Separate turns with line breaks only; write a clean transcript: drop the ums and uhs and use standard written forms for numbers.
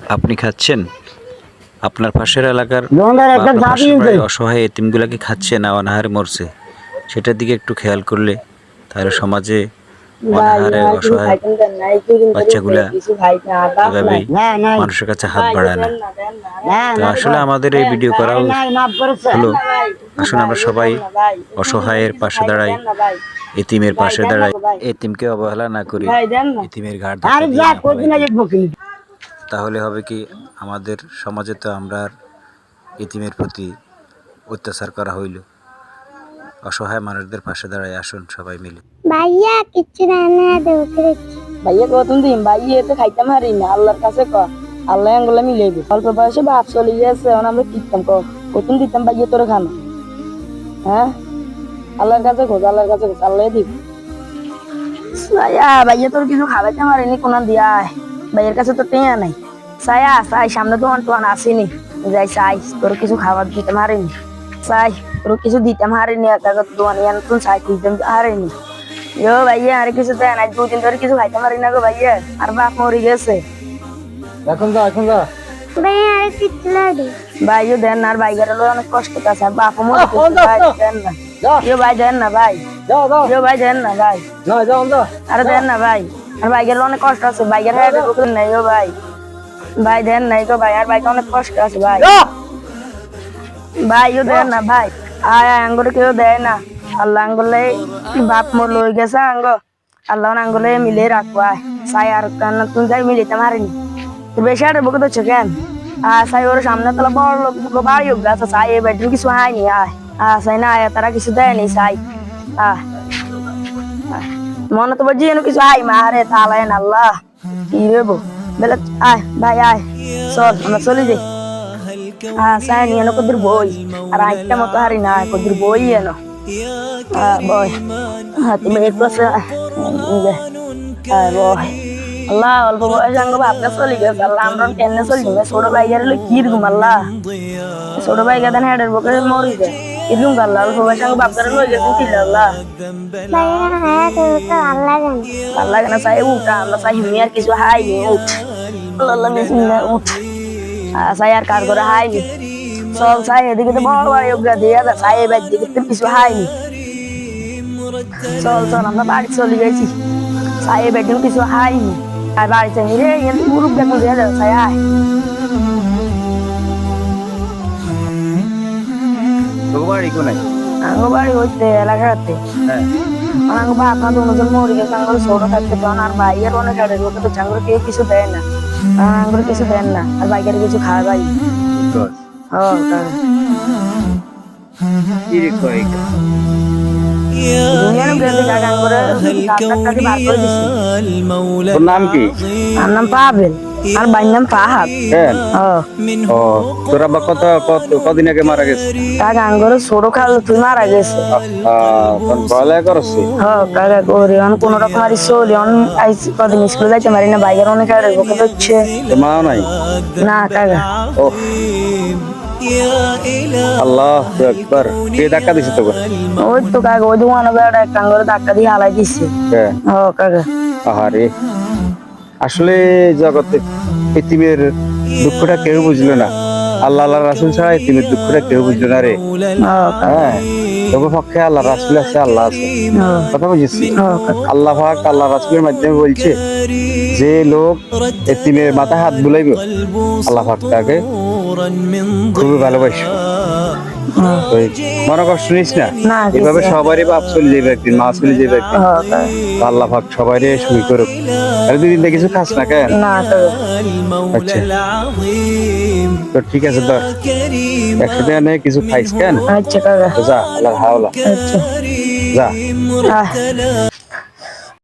আপনি খাচ্ছেন? আপনার পাশের এলাকার অসহায় এতিমগুলাকে খাচ্ছে না অনাহারে মরছে, সেটার দিকে একটু খেয়াল করলে তাহলে সমাজে অনাহারে অসহায় বাচ্চাগুলা এভাবেই মানুষের কাছে হাত বাড়ায় না। তো আসলে আমাদের এই ভিডিও করা হলো, আসলে আমরা সবাই অসহায়ের পাশে দাঁড়াই, এতিমের পাশে দাঁড়াই, এতিমকে অবহেলা না করি, এতিমের ঘাড় ধাক্কা দিয়ে না ফেলাই। তাহলে হবে কি, আমাদের সমাজে তো আমরা এতিমের প্রতি অত্যাচার করা হইল। অসহায় মানুষদের পাশে দাঁড়াই, আসুন সবাই মিলে।
ভাইয়া কিচ্ছু রান্না দেও
ভাইয়া কতদিন দিন ভাইয়া তো খাইতে পারি না, আল্লাহর কাছে ক আল্লাহ আঙ্গুলা মিলাইবে। অল্প বয়সে বাপ চলে গেছে, এখন আমরা কিতাম কতদিন দিতাম ভাইয়া তোর খানা। হ্যাঁ, আল্লাহর কাছে খোঁজ, আল্লাহর কাছে খোঁজ, আল্লাহ দিব। ভাইয়া তোর কিছু খাওয়াইতে পারিনি কোন দিয়া, ভাইয়ের কাছে তো টেয়া নাই। সায়া সাই সামনে তো অন্টন আসেনি, যাই সাই তোর কিছু খাবার দিতে পারিনি, সাই তোর কিছু দিতে পারিনি, তুই সাই দিতে পারিনি। ইয়ো ভাইয়া আর কিছু দেয় না, 2 দিন ধরে কিছু খাইতে পারি না গো ভাইয়া, আর বাপ মরে গেছে।
এখন যা
ভাইয়া আর কিচ্ছু লাগে
ভাইও দেন না, আর ভাইগার অনেক কষ্ট আছে, আর বাপ মরে গেছে, ভাই দেন না। ইয়ো ভাই দেন না ভাই, ইয়ো ভাই দেন না ভাই, আরে দেন না ভাই, আর ভাইগার অনেক কষ্ট আছে, ভাইগার হ্যাঁ নাই ও ভাই, ভাই দেন নাই গো ভাই, আর ভাইকে অনেক কষ্ট আছে ভাই, ভাইও দেন না ভাই, আয় আঙ্গুরে কেউ দেয় না। আল্লাহ আঙ্গুলে বাপ মোর লই গেছে আঙ্গ, আল্লাহ আঙ্গুলে মিলে রাখবো। আয় সাই আর তুমি যাই মিলিতে পারিনি, বেশি আর বুকে তো কেন সাই ওর সামনে তোলা বড় লোক বাড়ি হোক গাছ সাই এ বেডরুম কিছু হয়নি। আয় সাই না আয়, তারা কিছু দেয়নি সাই। মনে তো বলছি যেন কিছু আয় মা, আরে তাহলে আল্লাহ কি দেবো বেলা। আয় ভাই আয়, চল আমরা চলে যাই। সাই নিয়ে এনো কদির বই, আর আইটা মতো হারি না, কদির বই এনো boy, তুমি একটু boy আল্লাহ অল্প বয়স আঙ্গ বাপটা চলে গেছে, আল্লাহ আমরা টেনে চলি ছোট ভাইগার হলে কি রকম, আল্লাহ ছোট ভাইগা দেন হেডের বকে মরি যায় এরকম, আল্লাহ অল্প বয়স আঙ্গ বাপটার লয়ে গেছে কি আল্লাহ আল্লাহ কেন চাই উঠা, আমরা চাই হিমি আর কিছু হাইনি উঠ, আল্লাহ বিসমিল্লাহ উঠ, চাই আর কার করে হাইনি চল চাই এদিকে তো বড় বাড়ি ওগা দিয়ে চাই এবার দিকে তো কিছু হাইনি। চল চল আমরা বাড়ি চলে গেছি, চাই বেডিং কিছু হাইনি, আর বাড়িতে নিয়ে মুরুখ দেখো দিয়ে যাও চাই। আয়
বাড়ি কোনায়?
আঙ্গ বাড়ি হইতে এলাকাতে, আঙ্গ বা আপনার দুজন মরে গেছে, আঙ্গুর ছোট থাকতে তখন আর ভাইয়ের অনেক আড়ে লোকে তো চাঙ্গুর কেউ কিছু দেয় না, আঙ্গুর কিছু দেন না, আর বাইকের কিছু খাওয়া ভাই
নাম কি?
আমার নাম পাবেল, আর ভাইয়ের নাম ফাহাদ।
তোরা বা কদিন আগে মারা গেছে?
কাকা আঙ্গুর ছোট খাল তুই মারা গেছে।
পড়ালেখা করছি?
কাকা করি কোন রকম আর চলি, কদিন স্কুলে যাইতে পারি না, বাইকের অনেক আড়ে বকে হচ্ছে।
মাও নাই?
না কাকা।
আল্লাহু আকবার, কে ধাক্কা দিছে তোকে?
ওই তো কাকা, ওই দোকানে বেড়া এক কাঙ্গরে ধাক্কা দিয়ে হালাই দিচ্ছে। কাকা
আহারে, আসলে জগতে এতিমের দুঃখটা কেউ বুঝলো না, আল্লাহ আল্লাহ রাসূল ছাড়া এতিমের দুঃখটা কেউ বুঝলো না রে। হ্যাঁ, তবে পক্ষে আল্লাহ রাসূল আছে, আল্লাহ আছে, কথা বুঝেছি। আল্লাহ পাক আল্লাহ রাসূলের মাধ্যমে বলছে, যে লোক এতিমের মাথায় হাত বুলাইবে আল্লাহ পাক তাকে খুবই ভালোবাসে। মনে কষ্ট নিস না, এভাবে সবারই বাপ চলে যাবে একদিন, মা চলে যাবে একদিন, আল্লাহ পাক সবারই সুখী করুক। আর 2 দিন কিছু খাস না কেন? আচ্ছা তো ঠিক আছে, ধর 100 টাকা নিয়ে কিছু খাইস কেন?
আচ্ছা কাকা,
যা, আল্লাহ হাওলা,
আচ্ছা
যা।